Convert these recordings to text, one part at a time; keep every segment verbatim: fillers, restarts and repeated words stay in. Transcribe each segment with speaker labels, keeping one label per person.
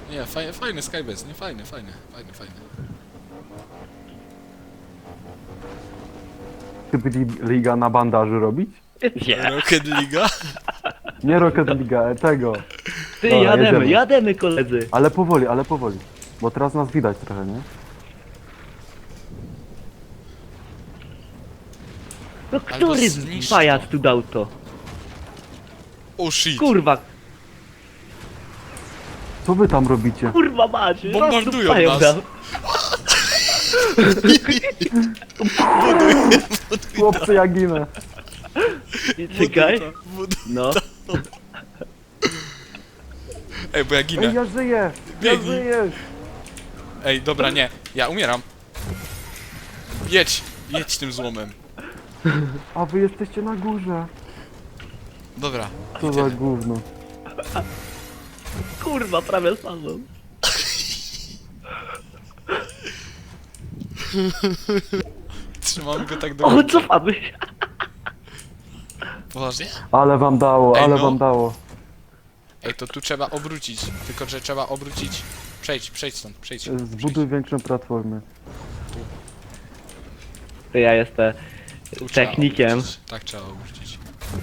Speaker 1: Nie, fajny, fajny Skybase, nie fajny, fajny, fajny, fajny.
Speaker 2: Ty byli liga na bandażu robić?
Speaker 3: Nie.
Speaker 1: Rocket League?
Speaker 2: Nie Rocket League, e, tego.
Speaker 3: Ty,
Speaker 2: Dobra,
Speaker 3: jademy,
Speaker 2: jedziemy.
Speaker 3: jademy koledzy.
Speaker 2: Ale powoli, ale powoli. Bo teraz nas widać trochę, nie?
Speaker 3: No
Speaker 1: Albo
Speaker 3: który
Speaker 1: zniszcz
Speaker 3: pajac
Speaker 1: to.
Speaker 3: tu dał to?
Speaker 1: Oh shit.
Speaker 3: Kurwa,
Speaker 2: Co wy tam robicie?
Speaker 3: kurwa macie.
Speaker 1: Bombardują
Speaker 3: raz tu
Speaker 1: nas.
Speaker 3: pajac dał.
Speaker 2: Chłopcy, ja ginę.
Speaker 3: Czekaj.
Speaker 1: Buduj to, buduj.
Speaker 3: No.
Speaker 1: Ej, bo ja
Speaker 2: Ej,
Speaker 1: ginę.
Speaker 2: ja żyję! Ja
Speaker 1: Biegnij.
Speaker 2: żyję!
Speaker 1: Ej, dobra, nie. Ja umieram. Jedź, jedź tym złomem.
Speaker 2: A wy jesteście na górze.
Speaker 1: Dobra.
Speaker 2: Co za gówno.
Speaker 3: Kurwa, prawie spadłem.
Speaker 1: Trzymamy go tak do
Speaker 3: O,
Speaker 1: końca.
Speaker 3: cofamy się.
Speaker 1: Poważnie?
Speaker 2: Ale wam dało,
Speaker 1: Ej,
Speaker 2: ale
Speaker 1: no.
Speaker 2: wam dało.
Speaker 1: Ej, to tu trzeba obrócić. Tylko, że trzeba obrócić. Przejdź, przejdź stąd, przejdź. przejdź.
Speaker 2: Zbuduj większą platformę.
Speaker 3: To ja jestem
Speaker 1: Tu trzeba
Speaker 3: technikiem.
Speaker 1: obrócić. Tak trzeba obrócić.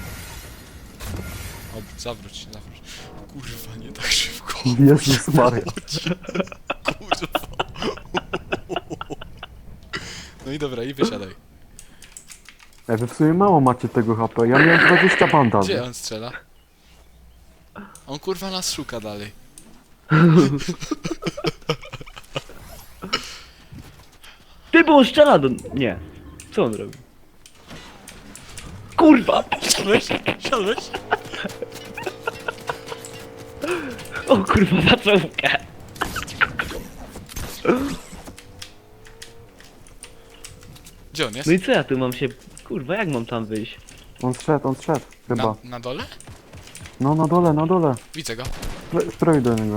Speaker 1: Ob zawróć, zawróć. Kurwa, nie tak szybko.
Speaker 2: Jezus Maria.
Speaker 1: Kurwa. No i dobra, i wysiadaj.
Speaker 2: Ej, wy w sumie mało macie tego H P. Ja miałem dwadzieścia bandaży.
Speaker 1: Gdzie on strzela? On kurwa nas szuka dalej.
Speaker 3: Ty, bo on strzela do... Nie. Co on robi? Kurwa!
Speaker 1: Siadłeś? Siadłeś?
Speaker 3: O kurwa, za czołówkę.
Speaker 1: Gdzie on jest?
Speaker 3: No i co ja tu mam się... Kurwa, jak mam tam wyjść?
Speaker 2: On zszedł, on zszedł. Chyba.
Speaker 1: Na, na dole?
Speaker 2: No na dole, na dole.
Speaker 1: Widzę go.
Speaker 2: Spr- Spróbuj do niego.